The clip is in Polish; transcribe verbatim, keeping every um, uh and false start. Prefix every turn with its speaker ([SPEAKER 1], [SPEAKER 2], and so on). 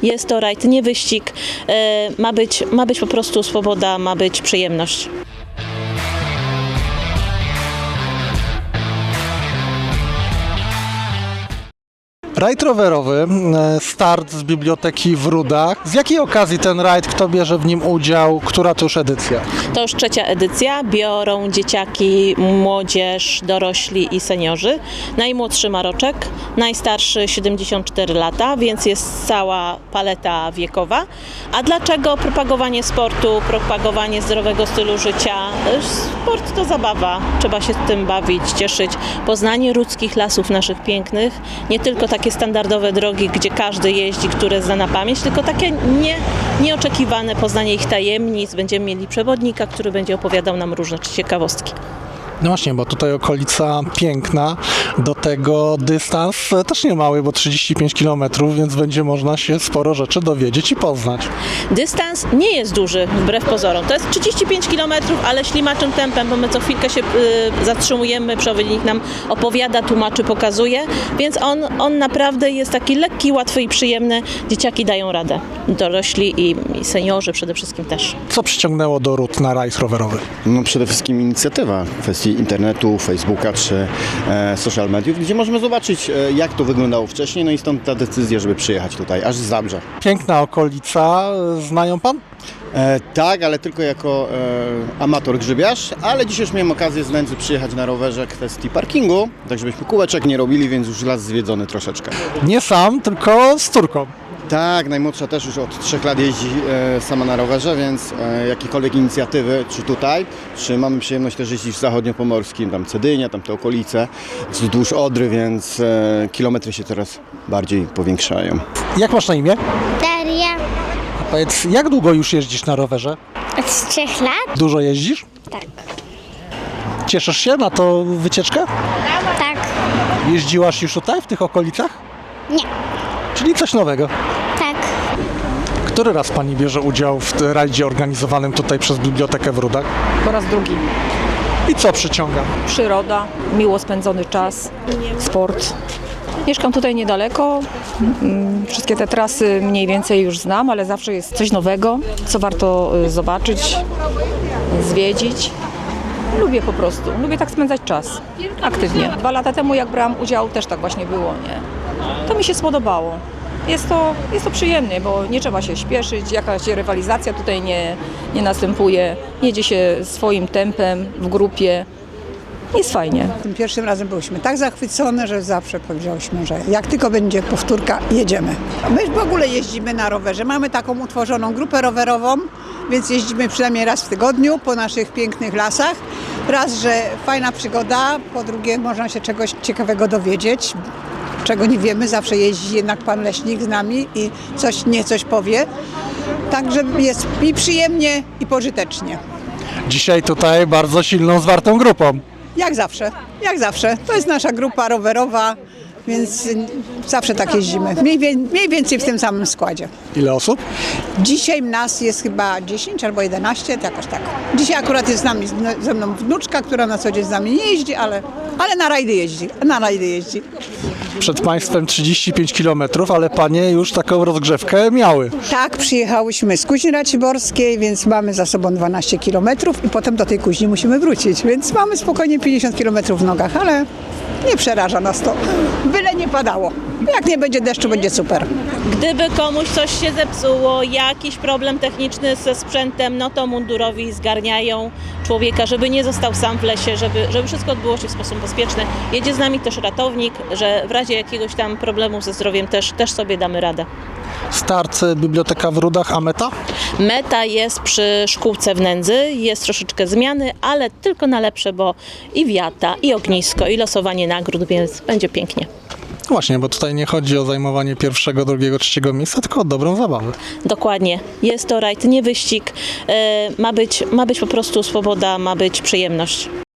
[SPEAKER 1] Jest to rajd, nie wyścig. E, ma być, ma być po prostu swoboda, ma być przyjemność.
[SPEAKER 2] Rajd rowerowy, start z biblioteki w Rudach. Z jakiej okazji ten rajd, kto bierze w nim udział, która to już edycja?
[SPEAKER 1] To już trzecia edycja. Biorą dzieciaki, młodzież, dorośli i seniorzy. Najmłodszy ma roczek, najstarszy siedemdziesiąt cztery lata, więc jest cała paleta wiekowa. A dlaczego propagowanie sportu, propagowanie zdrowego stylu życia? Sport to zabawa. Trzeba się tym bawić, cieszyć. Poznanie ludzkich lasów naszych pięknych, nie tylko takie standardowe drogi, gdzie każdy jeździ, które zna na pamięć, tylko takie nie, nieoczekiwane poznanie ich tajemnic. Będziemy mieli przewodnika, który będzie opowiadał nam różne ciekawostki.
[SPEAKER 2] No właśnie, bo tutaj okolica piękna, do tego dystans też nie mały, bo trzydzieści pięć kilometrów, więc będzie można się sporo rzeczy dowiedzieć i poznać.
[SPEAKER 1] Dystans nie jest duży, wbrew pozorom. To jest trzydzieści pięć kilometrów, ale ślimaczym tempem, bo my co chwilkę się y, zatrzymujemy, przewodnik nam opowiada, tłumaczy, pokazuje, więc on, on naprawdę jest taki lekki, łatwy i przyjemny. Dzieciaki dają radę, dorośli i, i seniorzy przede wszystkim też.
[SPEAKER 2] Co przyciągnęło do Rud na rajd rowerowy?
[SPEAKER 3] No przede wszystkim inicjatywa w kwestii internetu, Facebooka czy e, social mediów, gdzie możemy zobaczyć, e, jak to wyglądało wcześniej, no i stąd ta decyzja, żeby przyjechać tutaj, aż z Zabrza.
[SPEAKER 2] Piękna okolica, znają pan?
[SPEAKER 3] E, tak, ale tylko jako e, amator grzybiarz, ale dzisiaj już miałem okazję z Nędzy przyjechać na rowerze kwestii parkingu, tak żebyśmy kółeczek nie robili, więc już las zwiedzony troszeczkę.
[SPEAKER 2] Nie sam, tylko z córką.
[SPEAKER 3] Tak, najmłodsza też już od trzech lat jeździ e, sama na rowerze, więc e, jakiekolwiek inicjatywy, czy tutaj, czy mamy przyjemność też jeździć w zachodniopomorskim, tam Cedynia, tam te okolice, wzdłuż Odry, więc e, kilometry się coraz bardziej powiększają.
[SPEAKER 2] Jak masz na imię?
[SPEAKER 4] Daria
[SPEAKER 2] A powiedz, jak długo już jeździsz na rowerze?
[SPEAKER 4] od trzech lat?
[SPEAKER 2] Dużo jeździsz?
[SPEAKER 4] Tak.
[SPEAKER 2] Cieszysz się na tą wycieczkę?
[SPEAKER 4] Tak.
[SPEAKER 2] Jeździłaś już tutaj, w tych okolicach?
[SPEAKER 4] Nie.
[SPEAKER 2] Czyli coś nowego.
[SPEAKER 4] Tak.
[SPEAKER 2] Który raz pani bierze udział w rajdzie organizowanym tutaj przez Bibliotekę w Rudach?
[SPEAKER 5] Po raz drugi.
[SPEAKER 2] I co przyciąga?
[SPEAKER 5] Przyroda, miło spędzony czas, sport. Mieszkam tutaj niedaleko. Mm, Wszystkie te trasy mniej więcej już znam, ale zawsze jest coś nowego, co warto y, zobaczyć, zwiedzić. Lubię po prostu, lubię tak spędzać czas, aktywnie. Dwa lata temu jak brałam udział, też tak właśnie było, nie? To mi się spodobało. Jest to, jest to przyjemne, bo nie trzeba się śpieszyć, jakaś rywalizacja tutaj nie, nie następuje. Jedzie się swoim tempem, w grupie. Jest fajnie.
[SPEAKER 6] Tym pierwszym razem byliśmy tak zachwycone, że zawsze powiedziałyśmy, że jak tylko będzie powtórka, jedziemy. My w ogóle jeździmy na rowerze. Mamy taką utworzoną grupę rowerową, więc jeździmy przynajmniej raz w tygodniu po naszych pięknych lasach. Raz, że fajna przygoda, po drugie można się czegoś ciekawego dowiedzieć, czego nie wiemy. Zawsze jeździ jednak pan leśnik z nami i coś nie coś powie. Także jest i przyjemnie, i pożytecznie.
[SPEAKER 2] Dzisiaj tutaj bardzo silną, zwartą grupą.
[SPEAKER 6] Jak zawsze, jak zawsze. To jest nasza grupa rowerowa, więc zawsze tak jeździmy. Mniej, wie, mniej więcej w tym samym składzie.
[SPEAKER 2] Ile osób?
[SPEAKER 6] Dzisiaj nas jest chyba dziesięć albo jedenaście, to jakoś tak. Dzisiaj akurat jest z nami, ze mną wnuczka, która na co dzień z nami nie jeździ, ale, ale na rajdy jeździ. Na rajdy jeździ.
[SPEAKER 2] Przed państwem trzydzieści pięć kilometrów, ale panie już taką rozgrzewkę miały.
[SPEAKER 6] Tak, przyjechałyśmy z Kuźni Raciborskiej, więc mamy za sobą dwanaście kilometrów i potem do tej Kuźni musimy wrócić, więc mamy spokojnie pięćdziesiąt kilometrów w nogach, ale nie przeraża nas to. Byle nie padało. Jak nie będzie deszczu, będzie super.
[SPEAKER 1] Gdyby komuś coś się zepsuło, jakiś problem techniczny ze sprzętem, no to mundurowi zgarniają człowieka, żeby nie został sam w lesie, żeby, żeby wszystko odbyło się w sposób bezpieczny. Jedzie z nami też ratownik, że w razie jakiegoś tam problemu ze zdrowiem też, też sobie damy radę.
[SPEAKER 2] Start Biblioteka w Rudach, a meta?
[SPEAKER 1] Meta jest przy szkółce w Nędzy, jest troszeczkę zmiany, ale tylko na lepsze, bo i wiata, i ognisko, i losowanie nagród, więc będzie pięknie.
[SPEAKER 2] Właśnie, bo tutaj nie chodzi o zajmowanie pierwszego, drugiego, trzeciego miejsca, tylko o dobrą zabawę.
[SPEAKER 1] Dokładnie. Jest to rajd, nie wyścig. E, ma być, ma być po prostu swoboda, ma być przyjemność.